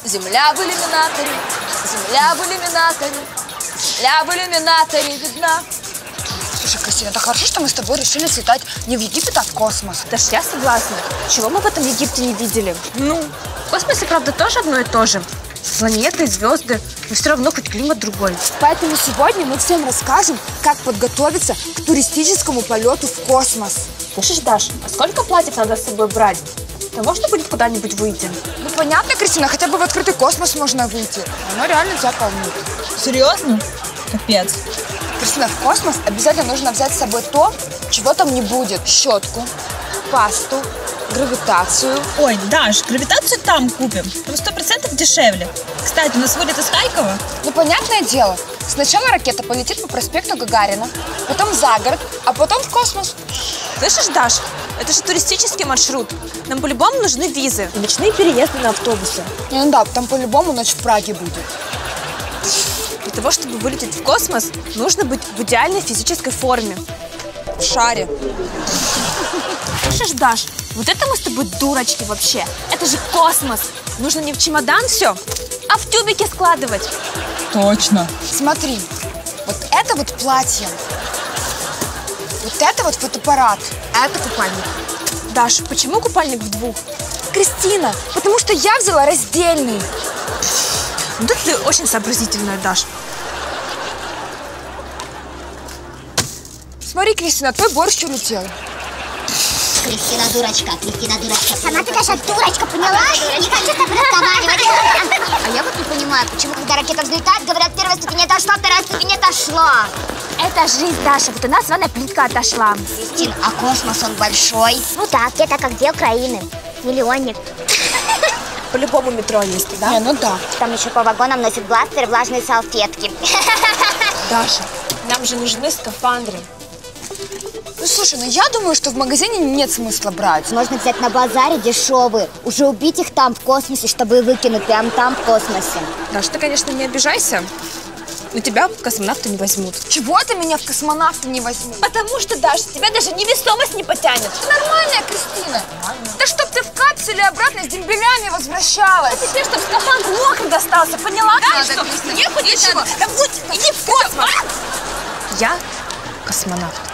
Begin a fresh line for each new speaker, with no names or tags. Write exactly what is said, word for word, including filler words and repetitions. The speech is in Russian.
Земля в иллюминаторе, земля в иллюминаторе, земля в иллюминаторе видна.
Слушай, Кристина, это хорошо, что мы с тобой решили слетать не в Египет, а в космос.
Даш, я согласна. Чего мы в этом Египте не видели? Ну, в космосе, правда, тоже одно и то же. Планеты, звезды, но все равно хоть климат другой.
Поэтому сегодня мы всем расскажем, как подготовиться к туристическому полету в космос.
Слышишь, Даш, а сколько платьев надо с собой брать? Да можно будет куда-нибудь выйти?
Ну, понятно, Кристина, хотя бы в открытый космос можно выйти. Оно реально тебя полнит.
Серьезно? Капец.
Кристина, в космос обязательно нужно взять с собой то, чего там не будет. Щетку, пасту, гравитацию.
Ой, Даш, гравитацию там купим. Там сто процентов дешевле. Кстати, у нас вылет из Харькова.
Ну, понятное дело. Сначала ракета полетит по проспекту Гагарина, потом за город, а потом в космос.
Слышишь, Даш, это же туристический маршрут. Нам по-любому нужны визы и ночные переезды на автобусы.
Не, ну да, там по-любому ночь в Праге будет.
Для того, чтобы вылететь в космос, нужно быть в идеальной физической форме.
В шаре.
Слышишь, Даш, вот это мы с тобой дурочки вообще. Это же космос. Нужно не в чемодан все, а в тюбике складывать.
Точно.
Смотри, вот это вот платье, вот это вот фотоаппарат, а это купальник.
Даш, почему купальник в двух?
Кристина, потому что я взяла раздельный.
Да ты очень сообразительная, Даш.
Смотри, Кристина, твой борщ улетел.
Кристина дурочка, Кристина дурочка. Сама ты, Даша, дурочка, поняла? Не хочу с тобой разговаривать. А я вот не понимаю, почему, когда ракета взлетает, говорят, первая ступень отошла, вторая ступень отошла.
Это жизнь, Даша. Вот у нас вон плитка отошла.
Кристин, а космос, он большой?
Ну да, где-то как где Украины. Миллионник.
По-любому метро есть, да?
Не, ну да.
Там еще по вагонам носят бластеры, влажные салфетки.
Даша, нам же нужны скафандры.
Ну, слушай, ну я думаю, что в магазине нет смысла брать.
Можно взять на базаре дешевые, уже убить их там в космосе, чтобы выкинуть прямо там в космосе.
Даша, ты, конечно, не обижайся, но тебя в космонавты не возьмут.
Чего ты меня в космонавты не возьмешь?
Потому что, Даша, тебя даже невесомость не потянет.
Нормальная, Кристина. Нормально. Да чтоб ты в капсуле обратно с дембелями возвращалась.
А теперь, чтоб скафандр мокрый достался, поняла?
Да,
что?
Кристина.
Не хоть ничего. Да будь, иди в космос. Я космонавт.